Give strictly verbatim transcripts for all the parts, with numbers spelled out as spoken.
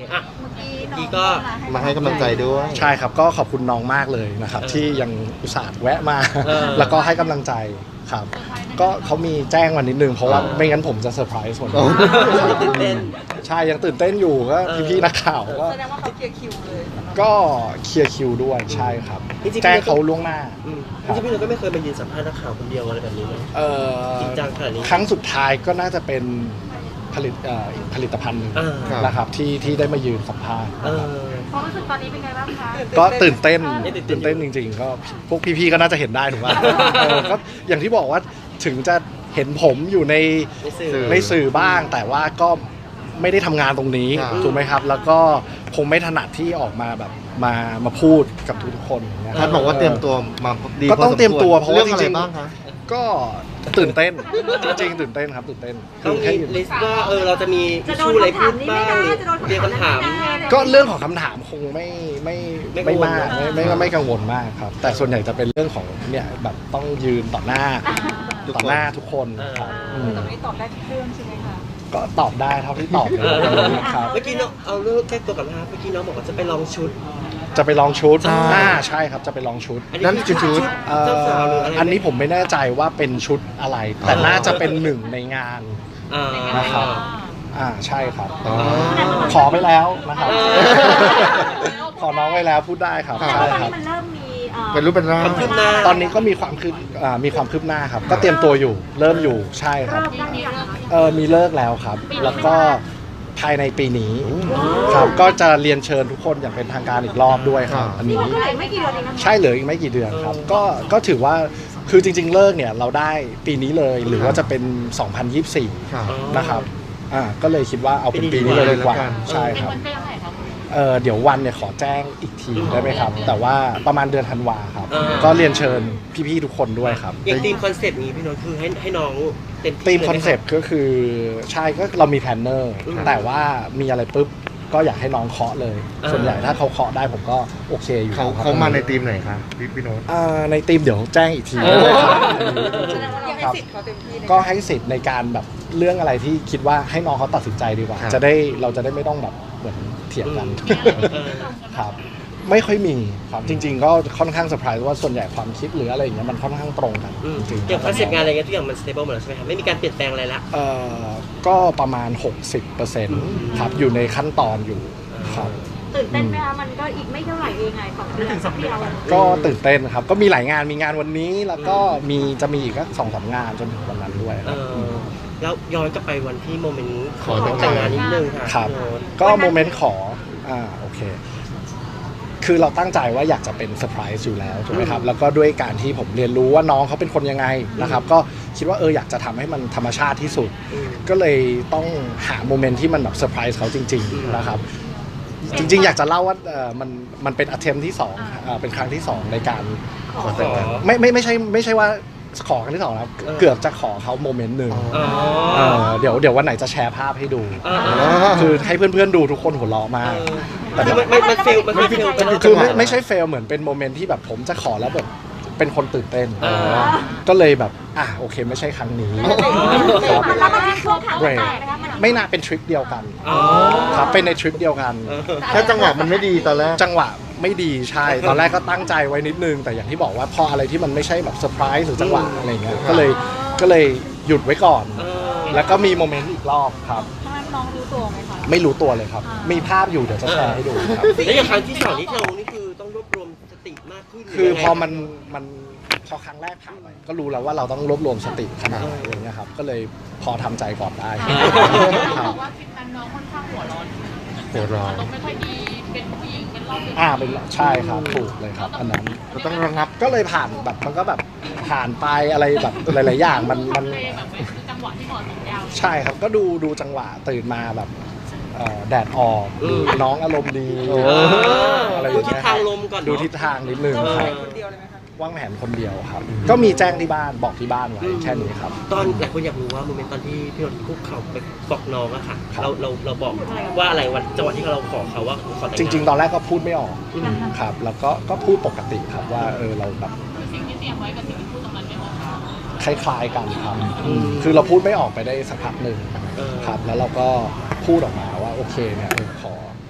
อ่ะเมื่อกี้เมื่อกี้น้ก็องมาให้กำลังใจด้วยใช่ครับก็ขอบคุณน้องมากเลยนะครับเออที่ยังอุตส่าห์แวะมาเออแล้วก็ให้กำลังใจครับ ก็เขามีแจ้งวันนิดนึงเพราะว่าเออไม่งั้นผมจะเซอร์ไพรส์หมดโอ้ตื่นเต้นใช่ยังตื่นเต้นอยู่ก็เออพี่ๆนักข่าวก็แสดงว่าเขาเคลียร์คิวเลยสำหรับก็เคลียร์คิวด้วยใช่ครับจริงๆแจ้งเขาล่วงหน้าอืมจริงๆพี่หนุ่มก็ไม่เคยมายืนสัมภาษณ์นักข่าวคนเดียวอะไรแบบนี้เลยเอ่อจริงจังขนาดนี้ครั้งสุดท้ายก็น่าจะเป็นผลิตเอ่ออีกผลิตภัณฑ์หนึ่งอ่านะครับที่ที่ได้มายืนสัมภาษณ์เออความรู้สึกตอนนี้เป็นไงบ้างคะก็ตื่นเต้นเออตื่ตื่นนเต้เต้นนจริง ๆ ก็พวกพี่ๆก็น่าจะเห็นได้ถูกไหมเออก็อย่างที่บอกว่าถึงจะเห็นผมอยู่ในในสื่อในสื่อบ้าง แต่ว่าก็ไม่ได้ทำงานตรงนี้ครับถูกไหมครับ แล้วก็คงไม่ถนัดที่ออกมาแบบมามาพูดกับทุกๆคนอย่างเงี้ยท่านบอกว่าเตรียมตัวมาดีก็ต้องพสควเตรียมตัวเพราะว่าเรื่องอะไรจริงๆบ้างคะก็ตื่นเต้นจริงๆตื่นเต้นครับตื่นเต้นต้องแค่มีอยู่ลิสต์ว่าเออเราจะมีทิชชู่อะไรพูดบ้างหรือเตรียมคำถามก็เรื่องของคำถามคงไม่ไม่ไม่กัไม่งวลมากเนอะไม่ไม่ไม่กังวลมากครับ แต่ส่วนใหญ่จะเป็นเรื่องของเนี่ยแบบต้องยืนต่อหน้าทุกคนต่อหน้าทุกคนครับเออือมตอนนี้ตอบได้ทุกเรื่องใช่ไหมคะก็ตอบได้เท่าที่ตอบเลเอยอครับเมื่อกี้น้องเอาเรื่องแก้ตัวกับนะครับเมื่อกี้น้องบอกว่าจะไปลองชุดจะไปลองชุดใช่อ่าใช่ครับจะไปลองชุดอันนี้นั่นคือชุดเอ่เจ้าสาวหรือออะไรอันนี้ผมไม่แน่ใจว่าเป็นชุดอะไร แต่น่าจะเป็นหนึ่งในงานอ่านะครับ อ่าใช่ครับอ๋อขอไปแล้วนะครับเออขอน้องไว้แล้วพูดได้ครับครับใช่ตอนครันี้บมันเริ่มมีเอ่อเป็นรูปเป็นร่างความคืบหน้าตอนนี้ก็มีความคืบอ่ามีความคืบหน้าครับ ก็เตรียมตัวอยู่ เริ่มอยู่ใช่ครับเริ่มได้หรือยังคะเออมีเลิกแล้วครับ แล้วก็ภายในปีนี้ครับ ก็จะเรียนเชิญทุกคนอย่างเป็นทางการอีกรอบด้วยครับ อันนี่นี้มันก็เหลือไม่กี่เดือนเองนะคะใช่เหลืออีกไม่กี่เดือนครับ ก็ก็ถือว่าคือจริง ๆ เลิกเนี่ยเราได้ปีนี้เลย หรือว่าจะเป็น สองพันยี่สิบสี่ครับนะครับอ่าก็เลยคิดว่าเอาเป็นปีนี้เลยดีกว่าใช่ครับ เออเดี๋ยววันเนี่ยขอแจ้งอีกทีได้ไหมครับ แต่ว่าประมาณเดือนธันวาครับอ่าก็เรียนเชิญพี่ๆทุกคนด้วยครับอย่างทีมคอนเซปต์นี้พี่โน้ตคือให้ให้น้องเต็มที่ทีมลยไหคอนเซปต์ก็คือใช่ก็เรามีแพลนเนอร์อืมแต่ว่ามีอะไรปุ๊บก็อยากให้น้องเคาะเลยอ่าส่วนใหญ่ถ้าเขาเคาะได้ผมก็โอเคอยู่เขาครับเขามาในทีมไหนคะพี่พี่โน้ตอ่าในทีมเดี๋ยวแจ้งอีกทีโอ้ได้ครับแสดงว่าเราให้ครับสิทธิ์เขาเต็มที่เลยก็ให้สิทธิ์ในการแบบเรื่องอะไรที่คิดว่าให้น้องเขาตัดสินใจดีกว่าครับจะได้เราจะได้ไม่ต้องแบบเหมือนเถียงกันเออครับไม่ค่อยมีครับจริง ๆ ก็ค่อนข้างเซอร์ไพรส์ว่าส่วนใหญ่ความคิดหรืออะไรอย่างเงี้ยมันค่อนข้างตรงกันอืมจริงๆอย่างคอนเซปต์งานอะไรเงี้ยทุกอย่างมันสเตเบิลหมดแล้วใช่ไหมครับไม่มีการเปลี่ยนแปลงอะไรละเอ่อก็ประมาณ หกสิบเปอร์เซ็นต์ ครับอยู่ในขั้นตอนอยู่ครับตื่นเต้นไหมคะมันก็อีกไม่เท่าไหร่เองไงสองเดือนที่เราก็ตื่นเต้นครับก็มีหลายงานมีงานวันนี้แล้วก็มีจะมีอีกสักสองสามงานจนถึงวันนั้นด้วยเอครับอแล้วย้อนกลับไปวันที่โมเมนต์ขอแต่งงานแต่งงานนิดนึงค่ะครับพี่โน้ตก็โมเมนต์ขออ่าโอเค คือเราตั้งใจว่าอยากจะเป็นเซอร์ไพรส์อยู่แล้วถูกไหมครับ แล้วก็ด้วยการที่ผมเรียนรู้ว่าน้องเขาเป็นคนยังไงนะครับ ก็คิดว่าเอออยากจะทำให้มันธรรมชาติที่สุดอืมก็เลยต้องหาโมเมนต์ที่มันแบบเซอร์ไพรส์เขาจริง ๆ นะครับ จริง ๆ อยากจะเล่าว่าเออมันมันเป็น attempt ที่สองเอ่อเป็นครั้งที่สองในการขอแต่งงานไม่ไม่ไม่ใช่ไม่ใช่ว่าขอครั้งที่สองนะครับเออเกือบจะขอเขาโมเมนต์หนึ่งอ๋อเออเดี๋ยวเดี๋ยววันไหนจะแชร์ภาพให้ดูอ่าคือให้เพื่อนๆดูทุกคนหัวเราะมาก แต่คือมันมันมันเฟลมันเฟลไปแล้วคือไม่ไม่ใช่เฟลเหมือนเป็นโมเมนต์ที่แบบผมจะขอแล้วแบบเป็นคนตื่นเต้นอ่าก็เลยแบบอ่ะโอเคไม่ใช่ครั้งนี้ครับแล้วมันช่วงขาแตกนะคะมันไม่น่าเป็นทริปเดียวกันอ๋อครับเป็นในทริปเดียวกันเออแค่จังหวะมันไม่ดีตอนแรกจังหวะไม่ดีใช่ ตอนแรกก็ตั้งใจไว้นิดนึง แต่อย่างที่บอกว่าพออะไรที่มันไม่ใช่แบบเซอร์ไพรส์หรือจังหวะอะไรเงี้ยก็เลยก็เลยหยุดไว้ก่อนเออแล้วก็มีโมเมนต์อีกรอบครับทำไมน้องรู้ตัวไหมคะไม่รู้ตัวเลยครับ มีภาพอยู่เดี๋ยวจะแชร์ให้ดูครับแล้วอย่างครั้งที่สองที่เรานี่คือต้องรวบรวมสติมากขึ้นคือหรืยังไงพอมันมันพอครั้งแรกผ่านไปก็รู้แล้วว่าเราต้องรวบรวมสติขนาดไหนอะไรเงี้ยครับ ก็เลยพอทำใจก่อนได้ครับว่าทริปนั้นน้องค่อนข้างหัวร้อนหัวเร้อนอารมณ์ไม่ค่อยดีเป็นผู้หญิงเป็นรอบดึกอ่าเป็นใช่ครับถูกเลยครับ อันนั้นเราต้องระงับก็เลยผ่านแบบมันก็แบบผ่านไปอะไรแบบหลาย ๆ อย่างมันมันทำเลแบบไม่คือจังหวะที่เหมาะสมยาวใช่ครับก็ดูดูจังหวะตื่นมาแบบเอ่อแดดออกอืมน้องอารมณ์ดีโอ้เอออะไรอดูย่างทิศเงี้ยทางลมก่อนเนอะดูทิศทางนิดนึงเจ้าคชารัยบคนเดียวเลยไหมคะวางแผนคนเดียวครับ ก็มีแจ้งที่บ้านบอกที่บ้านไว้แค่นี้ครับตอนหลายคนอยากรู้ว่าโมเมนต์ตอนที่พี่นนท์คุกเข่าไปบอกน้องอะค่ะครับเราเราเราบอกว่าอะไรวันจังหวะที่เราขอเขาว่าขอแต่งจงานริง ๆ ตอนแรกก็พูดไม่ออกอืมครับ แล้วก็ก็พูดปกติครับว่าเออเราแบบคือสิ่งที่เตรียมไว้กับสิ่งที่พูดตรงนั้นไม่เหมือนกันคล้ายๆกันครับคือเราพูดไม่ออกไปได้สักพักหนึ่งเออครับ แล้วเราก็พูดออกมาว่าโอเคเนี่ยเออขอ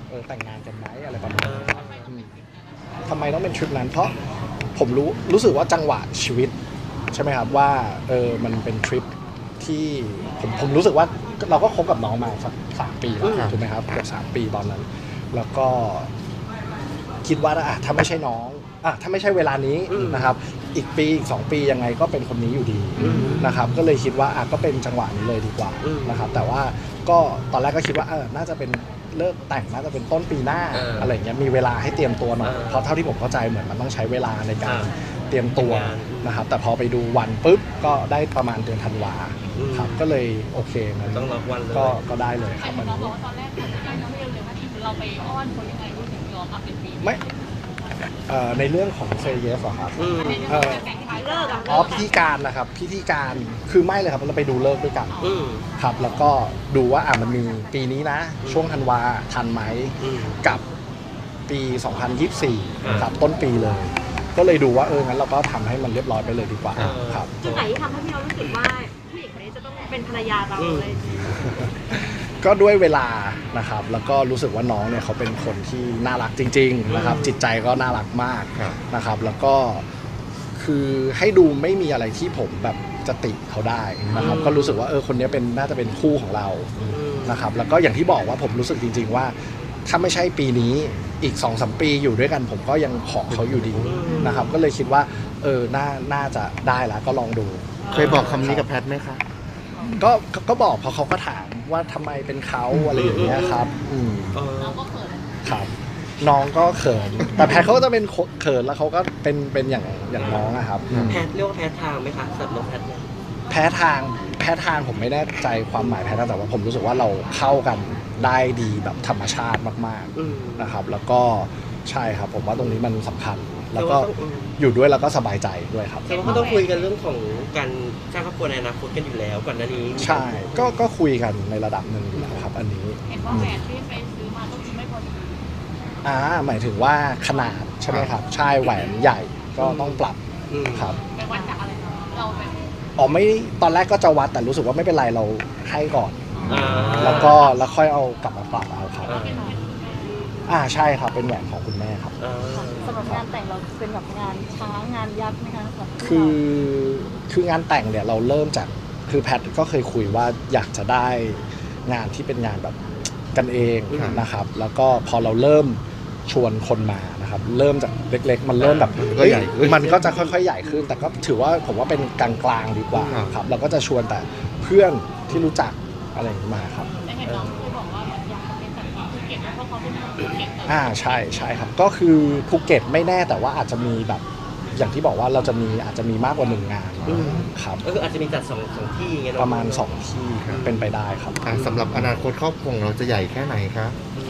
เออแต่งงานกันไหมอะไรประมาณนี้ครับอืมทำไมต้องเป็นทริปนั้นเพราะผมรู้รู้สึกว่าจังหวะชีวิตใช่ไหมครับว่าเออมันเป็นทริปที่ผมผมรู้สึกว่าเราก็คบกับน้องมาสักสามปีแล้วถูกไหมครับเกือบสามปีตอนนั้น แล้วก็คิดว่าอ่ะถ้าไม่ใช่น้องอ่ะถ้าไม่ใช่เวลานี้นะครับอีกปีอีกสองปียังไงก็เป็นคนนี้อยู่ดีนะครับก็เลยคิดว่าอ่ะก็เป็นจังหวะนี้เลยดีกว่านะครับแต่ว่าก็ตอนแรกก็คิดว่าเออน่าจะเป็นเลิกแต่งน่าจะเป็นต้นปีหน้าอะไรอย่างเงี้ยมีเวลาให้เตรียมตัวหน่อยเพราะเท่าที่ผมเข้าใจเหมือนมันต้องใช้เวลาในการเตรียมตัวนะครับแต่พอไปดูวันปุ๊บก็ได้ประมาณเดือนธันวาครับก็เลยโอเคงั้นต้องรับวันเลยก็ก็ได้เลยคแต่รับน้วัอน งบอนี้กว่าตอนแรกผมไม่ได้น้องไม่เลยว่าเราไปอ้อนคนยังไงรู้ถึงยอมอัพเป็นปีไม่เอ่อในเรื่องของเซเยสเหรอครับอืมเอ่อแต่งไทยเลิกอะอ๋อพิธีการนะครับพิธีการคือไม่เลยครับเราไปดูเลิกษ์ด้วยกันอืมครับแล้วก็ดูว่าอ่ะมันมีปีนี้นะ ช่วงธันวาทันไหมอืมกับปี สองพันยี่สิบสี่อ่าครับต้นปีเลย ก็เลยดูว่าเอองั้นเราก็ทำให้มันเรียบร้อยไปเลยดีกว่าอ่าครับจุดไหนที่ทำให้พี่เรารู้สึกว่าผู้หญิงคนนี้จะต้องเป็นภรรยาเราเลยก็ด้วยเวลานะครับแล้วก็รู้สึกว่าน้องเนี่ยเขาเป็นคนที่น่ารักจริงๆนะครับจิตใจก็น่ารักมากครับนะครับแล้วก็คือให้ดูไม่มีอะไรที่ผมแบบจะติเขาได้นะครับก็รู้สึกว่าเออคนนี้เป็นน่าจะเป็นคู่ของเรานะครับแล้วก็อย่างที่บอกว่าผมรู้สึกจริง ๆ ว่าถ้าไม่ใช่ปีนี้อีก สองสาม ปีอยู่ด้วยกันผมก็ยังขอเขาอยู่ดีนะครับก็เลยคิดว่าเออน่าน่าจะได้แล้วก็ลองดูเคยบอกคำนี้กับแพทไหมคะก็ก็ก็บอกเพราะเขาก็ถามว่าทำไมเป็นเขาอะไรอย่างเงี้ยครับอืมเออน้องก็เขินครับน้องก็เขิน แต่แพทเขาก็จะเป็นเขินแล้วเขาก็เป็นเป็นอย่างอย่างน้องอะครับอืมแพทเรียกว่าแพททางไหมคะสำหรับน้องแพทเนี่ยแพ้ทางแพ้ทางผมไม่แน่ใจความหมายแพ้ทางแต่ว่าผมรู้สึกว่าเราเข้ากันได้ดีแบบธรรมชาติมากอืมๆนะครับ แล้วก็ใช่ครับผมว่าตรงนี้มันสำคัญ แล้วก็แต่ว่าต้องอืมอยู่ด้วยแล้วก็สบายใจด้วยครับแต่ว่าเขาต้องคุยกันเรื่องของการสร้างครอบครัวในอนาคตกันอยู่แล้วก่อนหน้านี้ใช่ก็ก็คุยกันในระดับหนึ่งอยู่แล้วครับ อันนี้เห็นว่าแหวนที่ไปซื้อมาก็คือไม่พอดีอ่าหมายถึงว่าขนาดใช่ไหมครับใช่แหวนใหญ่ก็ต้องปรับอืมครับไปวัดจากอะไรเราไปอ๋อไม่ตอนแรกก็จะวัดแต่รู้สึกว่าไม่เป็นไรเราให้ก่อนอ่าแล้วก็แล้วค่อยเอากลับมาปรับเอาครับอ่าอ่าใช่ครับเป็นแหวนของคุณแม่ครับอ่าสำหรับงานแต่งเราเป็นแบบงานช้างงานยักษ์ไหมคะสำหรับคือคืองานแต่งเนี่ยเราเริ่มจากคือแพทก็เคยคุยว่าอยากจะได้งานที่เป็นงานแบบกันเองนะครับ แล้วก็พอเราเริ่มชวนคนมานะครับ เริ่มจากเล็กๆ มันเริ่มแบบก็ใหญ่ขึ้นมันก็จะค่อยๆใหญ่ขึ้น แต่ก็ถือว่าผมว่าเป็นกลางๆดีกว่าครับครับเราก็จะชวนแต่เพื่อนที่รู้จักอะไรอย่างนี้มาครับแต่เห็นน้องเคยบอกว่าอยากจะเป็นสัตว์ภูเก็ตเพราะเขาเป็นคนภูเก็ตอ่าใช่ใช่ครับก็คือภูเก็ตไม่แน่แต่ว่าอาจจะมีแบบอย่างที่บอกว่าเราจะมีอาจจะมีมากกว่าหนึ่งงานครับก็คืออาจจะมีจัดสองสองที่อย่างเงี้ยเนประมาณสองที่เป็นไปได้ครับอ่ะสำหรับอนาคตครอบครัวของเราจะใหญ่แค่ไหนคะ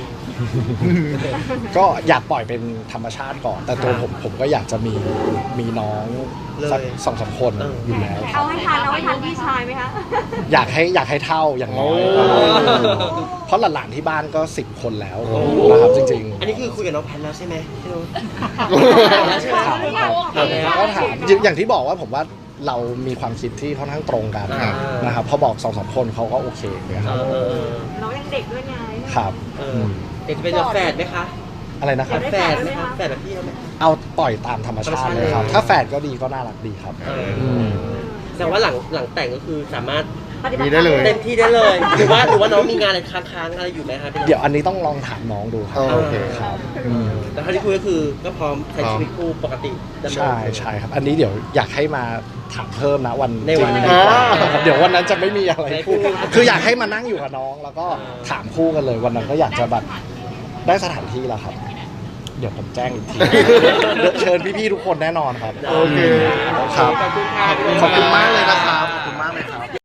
ก็อยากปล่อยเป็นธรรมชาติก่อน แต่ตัวผมผมก็อยากจะมีมีน้องสักสองสามคนอยู่แล้วครัเอาบให้ทันเอาให้ทันพี่ชายไหมคะอยากให้อยากให้เท่าอย่างน้อยโอ้เพราะหลานๆที่บ้านก็สิบคนแล้วนะครับจริงๆอันนี้คือคุยกับน้องแพทแล้วใช่ไหมพี่นุ้ยถามครับก็ถามอย่างที่บอกว่าผมว่าเรามีความคิดที่ค่อนข้างตรงกันอ่านะครับพอบอกสองสามคนเขาก็โอเคเลยครับเออเออน้องยังเด็กด้วยไงครับเออเด็กจะเป็นแบบแฝดไหมคะอะไรนะครับแฝดไหมคะแฝดแบบพี่เขาไหมเอาปล่อยตามธรรมชาติเลยครับ ถ้าแฝดก็ดีก็น่ารักดีครับเออมแต่ว่าหลังหลังแต่งก็คือสามารถปฏิบัติมีได้เลยเต็มที่ได้เลย หรือว่าหรือว่าน้องมีงานอะไรค้างๆอะไรอยู่ไหมคะพี่นุ้ยเดี๋ยวอันนี้ต้องลองถามน้องดูครับโอเคครับอืมแต่เท่าที่คุยก็คือก็พร้อมใช้ชีวิตคู่ปกติดำเนินใช่ใช่ครับ อันนี้เดี๋ยวอยากให้มาถามเพิ่มนะวันในวันจริงนั้นครับเดี๋ยววันนั้นจะไม่มีอะไรพูดไม่พูดคืออยากให้มานั่งอยู่กับน้อง แล้วก็อ่าถามคู่กันเลย วันนั้นก็อยากจะแบบได้สถานที่แล้วครับ เดี๋ยวผมแจ้งอีกที เดี๋ยวเชิญพี่ๆทุกคนแน่นอนครับโอเคครับขอบคุณค่ะขอบคุณมากเลยนะครับ ขอบคุณมากเลยครับ